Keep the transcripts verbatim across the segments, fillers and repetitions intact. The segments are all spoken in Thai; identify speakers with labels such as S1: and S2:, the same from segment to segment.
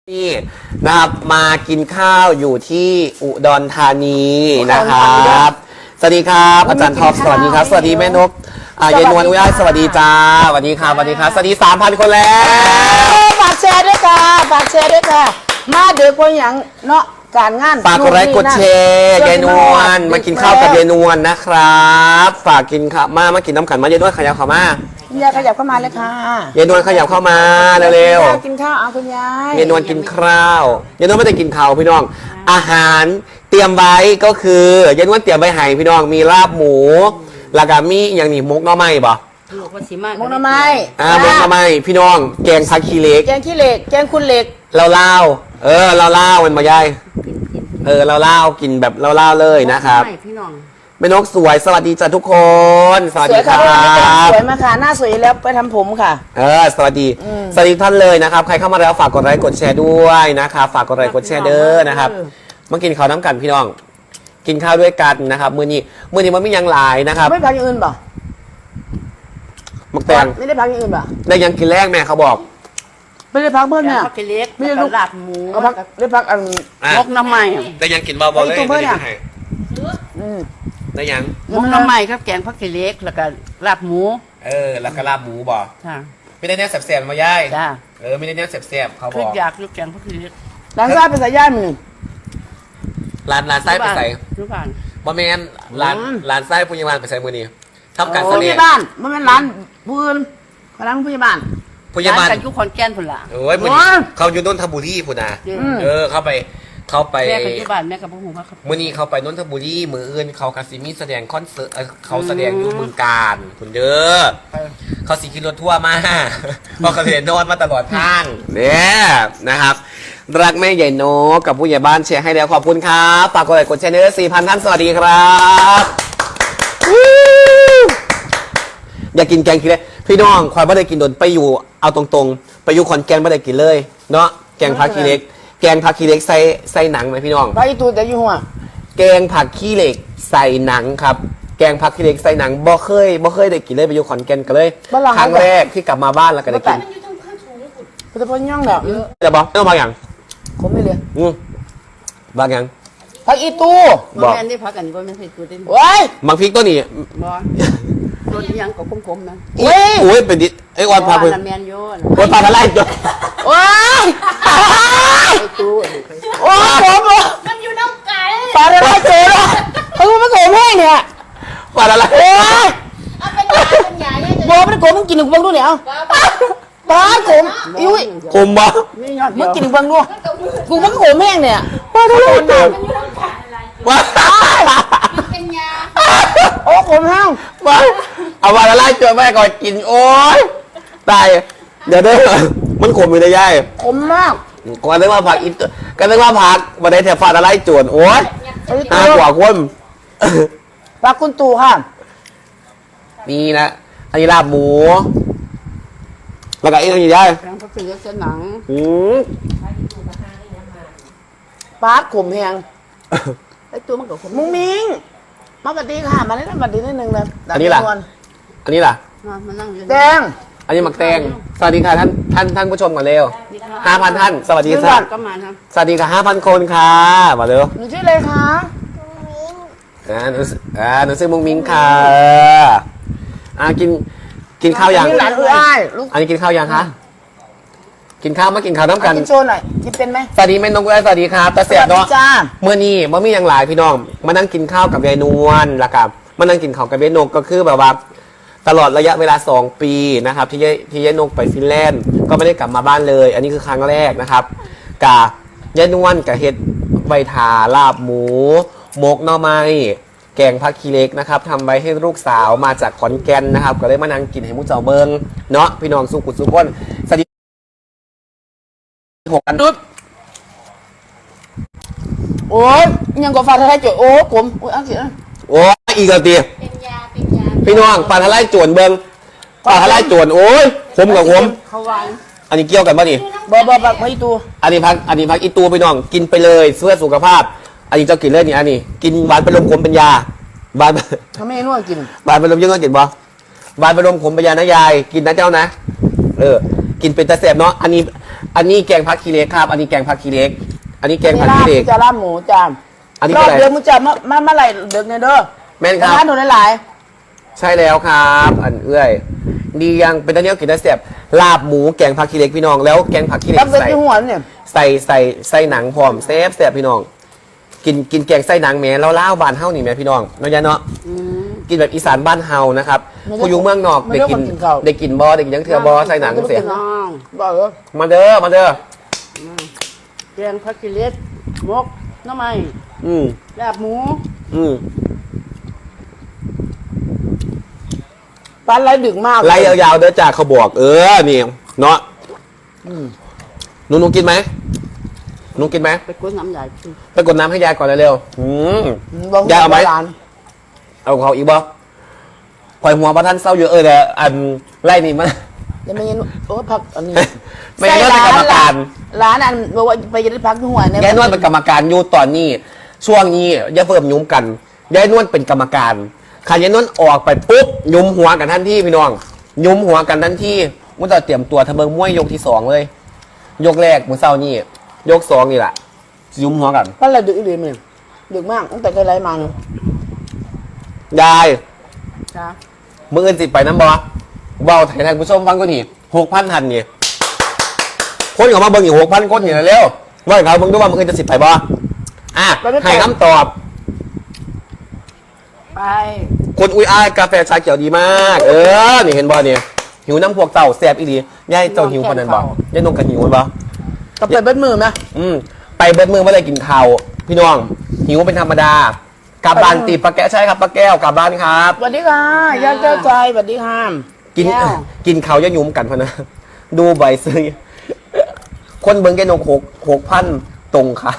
S1: นี่นะครับมากินข้าวอยู่ที่อุดรธานีนะครับสวัสดีครับอาจารย์ท็อปสวัสดีครับสวัสดีแม่นกอ่ายายนวลอุ้ยสวัสดีจ้าสวัสดีครับสวัสดีครับสวัสดีสามพันคนแล้ว
S2: ฝากแชร์ด้วยค่ะฝากแชร์ด้วยค่ะมาเดือคนอย่างเนาะการงาน
S1: ฝากกดไลค์กดแชร์ยายนวลมากินข้าวกับยายนวลนะครับฝากกินข้าวมามากินน้ำขันมายายนวลขยับเข้าม
S2: คุณยายขยับเข้ามาเลยค่ะ
S1: ยายนวลขยับเข้ามาเร็ว
S2: ๆกินข้าวเอาคุณยาย
S1: ยายนวลกินข้าวยายนวลไม่ได้กินข้าวพี่น้องอาหารเตรียมไว้ก็คือยายนวลเตรียมไว้ให้พี่น้องมีลาบหมูแล้วก็มีอย่างนี้มุกหน่อไม้บ่
S2: มุกหน่อไม้
S1: อ่ามุกหน่อไม้พี่น้องแกงผักขี้เหล็ก
S2: แกงขี้เหล็กแกงคุณเหล็ก
S1: เราเล่าเออเราเล่ามันมายายเออเราเล่ากินแบบเราเล่าเลยนะครับ
S3: พี่น้อง
S1: แม่นกสวยสวัสดีจ้ะทุกคนสวัสดีครับ
S2: สวยมาค่ะหน้าสวยแล้วไปทำผมค่ะ
S1: เออสวัสดีสวัสดีท่านเลยนะครับใครเข้ามาแล้วฝากกดไลค์กดแชร์ด้วยนะครับฝากกดไลค์กดแชร์เด้อนะครับมากินข้าวน้ำกันพี่น้องกินข้าวด้วยกันนะครับมื้อนี้มื้อนี้มันไม่ยังหลายนะครับ
S2: ไม่พักอย่างอื่นป่ะ
S1: มักแตง
S2: ไม่ได้พักอย่างอื่นป่ะ
S1: ได้ยังกินแรกแม่เขาบอก
S2: ไม่ได้พักเพิ่มเนี่ย
S3: พักเล็กไม่ได้ลูกหลับหมู
S2: ได้พักอัน
S3: มกน้ำใหม่
S1: ได้ยังกินเบาๆเลยได้ยังได้ยัง
S3: มกน้ำใหม่ครับแกงพักเล็กแล้วก็ลาบหมู
S1: เออแล้วก็ลาบหมูบ่
S3: ค่ะ
S1: ไม่ได้แน่แสบๆมาย่าย
S3: จ้า
S1: เออไม่ได้แน่แสบๆเขาบอก
S3: อยากลูกแกงพักเล็ก
S2: ร้านซ่าเป็นสายย่านมือ
S1: ร้านร้านไส้ไปใส่
S3: ทุกบ้าน
S1: บ่แม่นร้านร้านไส้ปุญญาบาลไปใส่มือนี้ทำการเสน่
S2: ห์บ้านไม่เป็นร้านพื้นร้านผู้ใหญ่บ้าน
S1: ผู้ใหญ่บ้าน
S3: กันยุคคอนแก่นพุ่นละ
S1: โอ้ยมือเขาอยู่นนทบุรีพุ่นนะเออเข้าไปเข้าไป
S3: แม่กันยุคบ้านแม่กับพ่อหูครับ
S1: มือนี้เขาไปนนทบุรีมืออื่นเขาคาซิมีแสดงคอนเสิร์ตเขาแสดงอยู่บึงการพุ่นเด้อเขาสีขี่รถทั่วมาเพราะเขาเห็นนอนมาตลอดทางเนี่ยนะครับรักแม่ใหญ่โนกับผู้ใหญ่บ้านแชร์ให้แล้วขอบคุณครับฝากกดไลค์กดแชร์เนื้อสี่พันท่านสวัสดีครับอยากกินแกงขี้เหล็กพี่น้องคอยไม่ได้กินโดนไปอยู่เอาตรงๆไปอยู่ขอนแก่นไม่ได้กินเลยเนาะแกงผักขี้เหล็กแกงผักขี้เหล็กใส่ใส่หนังไหมพี่น้อง
S2: ไปตูแต่อยู่หัว
S1: แกงผักขี้เหล็กใส่หนังครับแกงผักขี้เหล็กใส่หนังบ่เคยบ่เคยได้กินเลยไปอยู่ขอนแก่นกันเลยครั้งแรกที่กลับมาบ้านแล้วก็ได้กิน
S2: จะพ้นย่องแบบ
S1: จะบอกไม่ต้องบางอย่าง
S2: ผมไม่เลย
S1: อืมบางอย่าง
S2: ผักอีตู
S3: บอกแม่ได้พักกันก็ไม่ใช่ตัวเด่น
S2: โอ้ย
S1: บางพริกตัวนี้
S3: บอตัวยังก็คมๆนะ
S1: โอ้ยโอ้ยเป็นดิไอ้ออนพาไป
S3: แมนโยน
S1: โอ้ยพาอะไรจ้ะ
S2: โอ้ย
S3: ตู้
S2: โอ้ยผม
S4: มันอยู่น้ำไก่
S2: ปลาอะไรเจอแล้วเขาไม่โกงแห้งเนี่ย
S1: ปลาอะไร
S2: โอ้ย
S4: เอาเป็นยาเป็นยาเนี่ย
S2: โบไม่โกงมึงกินหนึ่งเบิ้งดูเนี่ยปลาโกงอุ้ย
S1: คมบ่
S2: มึงกินหนึ่งเบิ้งดูกูมันโกงแห้งเนี่ย
S1: ปลาอะไรเจอว้า
S4: เป็นยา
S2: โอ้โกงแห้ง
S1: ว้าเอาปลาอะไรเจอแม่ก่อนกินโอ้ยตายเดี๋ยวเด้อมันขมอยู่ในย่าย
S2: ขมมาก
S1: ก่อนเรียกว่าผักอินก็เรียกว่าผักมาได้แถบฟาดอะไรจวนโอ้ยน่ากว่าคน
S2: ปลาคุณตู่ค่ะ
S1: นี่นะอันนี้ลาบหมูแล้วก็ไอ้ตัวนี้ได้
S3: แกงผักเล็กเส้นหนัง
S1: อืม
S2: ปลาขมแห้ง
S3: ไอ้ตัวมันก็ขม
S2: มุ้งมิ้งมาปฏิค่ะมาเล่นปฏินิดนึงเลย
S1: อันนี้ล่ะอันนี้ล่ะ
S2: แดง
S1: อันนี้หมักแตงสวัสดีค่ะท่านท่านท่านผู้ชมก่อนเร็วห้าพันท่านสวัสดีครับสวัสดีค่ะห้าพันคนค่ะมาเร็ว
S2: หนูชื่ออะไรคะ
S1: อ่าหนูอ่าหนูชื่อมุ้งมิ้งค่ะอ่ากินกินข้าวยังอันนี้กินข้าวยังคะกินข้าวมากินข้าวน้ำกัน
S2: กินโชว์หน่อยกินเป็นไหม
S1: สวัสดีแม่นงสวัสดีครับตาเสียบเนาะเมื่อนี้มื่อมีอย่างหลายพี่น้องมานั่งกินข้าวกับยายนวลละกับมานั่งกินข้าวกับยายนกก็คือแบบว่าตลอดระยะเวลาสองปีนะครับที่ยายที่ยายนกไปฟินแลนด์ก็ไม่ได้กลับมาบ้านเลย อันนี้คือครั้งแรกนะครับกะยายนวลกับเห็ดใบถาลาบหมูหมกหน่อไม้แกงผักขี้เหล็กนะครับทำไว้ให้ลูกสาวมาจากขอนแก่นนะครับก็เลยมานั่งกินให้มุ้งเจ้าเบิงเนาะพี่น้องสุขุสุขคนสวัสดีหกกันดุด
S2: โอ้ยยังก็ฟาดอะไรจุดโอ้ผมโอ้ยอันสิ
S1: โอ้อีกแล้วตี
S4: เป็นยาเป็นยา
S1: พี่น้องปลาทะเลจวนเบิงปลาทะเลจวนโอ้ยขมกับขมอันนี้เกี่ยวกันป่ะนี่
S2: บ่บ่บ่พักอีตู
S1: อันนี้พักอันนี้พักอีตูพี่น้องกินไปเลยเพื่อสุขภาพอันนี้เจ้ากินเลยนี่อันนี้กินหวานเป็นลมขมเป็นยาหวาน
S2: ทำไมนวดกิน
S1: หวานเป็นลมยังไงกินบ่หวานเป็นลมขมเป็นยานะยายกินนะเจ้านะเออกินเป็นตะแสบเนาะอันนี้อันนี้แกงผักขี้เหล็กครับ อันนี้แกงผักขี้เหล็ก อันนี้แกงผัก
S2: ลาบ
S1: ขี้เหล็ก
S2: จะลาบหมูจ้า
S1: อันนี้
S2: ร
S1: คือ
S2: อบ
S1: อะไร
S2: เดือนมึงจะมามาเมื่อไหร่เดือนเนี่ยเด้อ
S1: แม่นครับ
S2: ร้านหนูหลาย
S1: ใช่แล้วครับ อันเอื้อยดียังเป็นตะเนียวกินได้เสียบลาบหมูแกงผักขี้เหล็กพี่น้องแล้วแกงผักขี้เห
S2: ๆ
S1: ล็
S2: รับ
S1: ก
S2: เส้น
S1: ใส่
S2: ที่หัวเนี่ย
S1: ใส่ใส่ใส่หนังพร้อมแซ่บแซ่บพี่น้อง กินกินแกงไส้หนังแหม่แล้วล่าวบานเฮานี่แหม่พี่น้องเนาะยะเนาะ
S3: อืม
S1: กินแบบอีสานบ้านเฮานะครับ
S2: ไม่ได้
S1: ผู้อยู่เมืองนอก
S2: ไม่
S1: ได้
S2: ได้
S1: กิน
S2: คนกินข้าว
S1: ได้กินบอได้กินยังเถื่อบอใส่หนังเสีย
S3: น้อง
S2: บอกเลย
S1: มาเด้อมาเด้อ
S3: แกงผักกิเลสมกหน้ำไม้
S1: อืม
S3: ลาบหมู
S1: อืม
S2: ปลาไหลดึกมาก
S1: ไล่ยาวๆเด้อจากเขาบอก เออนี่เนาะหนูหนูกินไหมหนูกินไหม
S3: ไปกวนน้ำใหญ่กิน
S1: ไปกดน้ำให้ยายก่อนเร็วๆอืม
S2: บอก
S1: ยายเอาไหม
S2: ร้าน
S1: เอาเขาอีกบ่ปล่อยหัวประท่านเศร้าเยอะเออแต่อันไล่นี่มัน
S2: เดี๋ยวไม่งั้นโอ้พักอันนี้
S1: ไม่งั้นเป็นกรรมการ
S2: ร้านอันบอกว่าไปจะได้พักที่หัวเนี่ย
S1: ยายนวลเป็นกรรมการอยู่ตอนนี้ ช่วงนี้อย่าเพิ่มยุ้มกันยายนวลเป็นกรรมการขันยายนวลออกไปปุ๊บยุ้มหัวกันทันทีพี่น้อง ยุ้มหัวกันทันทีมุ้งจะเตรียมตัวทะเบิงมวยยกที่สองเลย ยกแรกมือเศร้านี่ยกสองนี่แหละยุ้มหัวกัน
S2: ปลาไหลดึกอีหลีมันดึกมากตั้งแต่เคยไล่มาเนี่ย
S1: ยาย
S3: จ้า
S1: มืออื่นสิไปน้ำบอเบาไทยทางผู้ชมฟังก็นี่หกพันทันนี่คนออกมาเบิ่งอยู่หกพันคนอยู่แล้วเร็วว่าเขาเบิ่งด้วยว่ามืออื่นจะสิไปบออ่ะให้คำตอบ
S3: ไป
S1: คนอุ้ยอ้ายกาแฟชาเขียวดีมาก เออ นี่เห็นบอเนี่ยหิวน้ำพวกเต่าแซ่บอีดีย่ายเจ้าหิวคนนั้นบอย่ายนงกันหิวมันบอ
S2: ก็ไปเบิ้ลมือไหม
S1: อืมไปเบิดมือไม่ได้กินข้าวพี่น้อง หิวเป็นธรรมดากลับบ้านตีปลาแก้วใช่ครับปลาแก้วกลับบ้านครับ
S2: สวัสดีค่ะย่าเจ้าใจสวัสดีค่ะ
S1: กินกินข้าวย่ายุ่มกันพะนะดูใบซื้อคนเบิ้งแกนกหกหกพันตรงค่ะ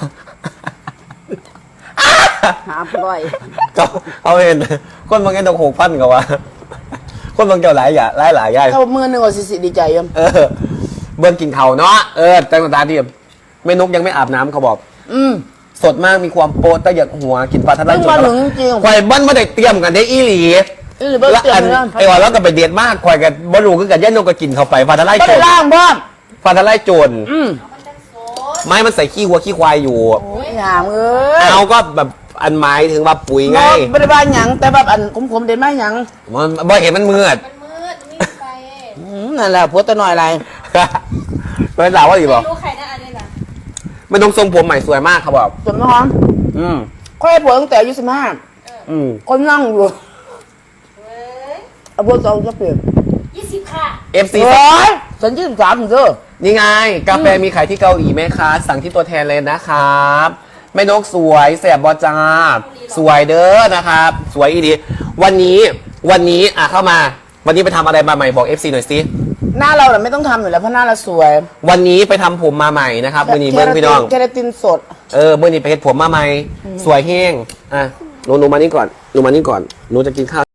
S3: หาปล่อย
S1: ก็เอาเห็นคนเบิ้งแกนกหกพันก็ว่า คนเบิ้งเจ้าหลายอย่าหลายหลายย่าย
S2: เข้ามือหนึ่งก็สิสิดีใจยัง
S1: เออเบิ้งกินเขาวเนาะเออตั้งแต่ตาที่แม่นกยังไม่อาบน้ำเขาบอก
S2: อืม
S1: สดมากมีความโปรตะหยักหัวกินปลาทะเล
S2: เพิ่งมาถึงจริง
S1: ควายบ้านมาได้เตรียมกันได้อีหลี
S2: อีหลีเบิ้ล
S1: แล้ว
S2: เตรียม
S1: อัน
S2: เลย
S1: ไอ้ว่าแล้วก็ไปเดียดมากควายกันบรูคือกันย่านกก็กินเข้าไปปลาทะเล
S2: ไม่
S1: โจ
S2: ได้
S1: ร
S2: ล่างพ่อม
S1: ปลาทะเลโจร
S2: อืม
S4: มันจะโซด
S1: ไม้มันใส่ขี้วัวขี้ควายอยู่
S2: โอ้ยหามเอ้ย
S1: เอาก็แบบอันหมายถึงว่าปุ๋ยไง
S2: ไม่ได้บ้านหยังแต่แบบอันขมๆเด่นไม่หยัง
S1: มันบ่เห็นมันมืด
S4: มันมืดมันไม่มีไฟ
S2: อืมนั่นแหละผัวตะหน่อยอะไร
S1: เป็นสาวว่าดีบอก
S4: ไม่รู้ใครนะอันนี้ล่ะ
S1: ไม่ต้องทรงผมใหม่สวยมากครับบอก
S2: ส่วนน้อง
S1: อืม
S2: ค่อยผัวตั้งแต่อายุสิบห้า
S1: อืม
S2: คนนั่งอยู่
S4: เว้ย
S2: เอาพวกสองจะเปลี่ยน
S4: ยี่สิบค่ะ
S1: เอฟซี
S2: โอ้ยฉันยี่สิบสามถึงเด้อ
S1: นี่ไง กาแฟมีขายที่เกาหลีไหมคะ สั่งที่ตัวแทนเลยนะครับแม่นกสวยแสบบอจาสวยเด้อนะครับ สวยอีดี วันนี้วันนี้อ่ะเข้ามา วันนี้ไปทำอะไรมาใหม่บอก เอฟ ซี หน่อยสิ
S2: หน้าเราเนี่ยไม่ต้องทำอยู่แล้วเพราะหน้าเราสวย
S1: วันนี้ไปทำผมมาใหม่นะครับมือนี้เบิ้งพี่น้อง
S2: เคราตินสด
S1: เออมือนี้ไปเฮ็ดผมมาใหม่ สวยเฮงอ่ะหนูหนูมานี่ก่อนหนูมานี่ก่อนหนูจะกินข้าว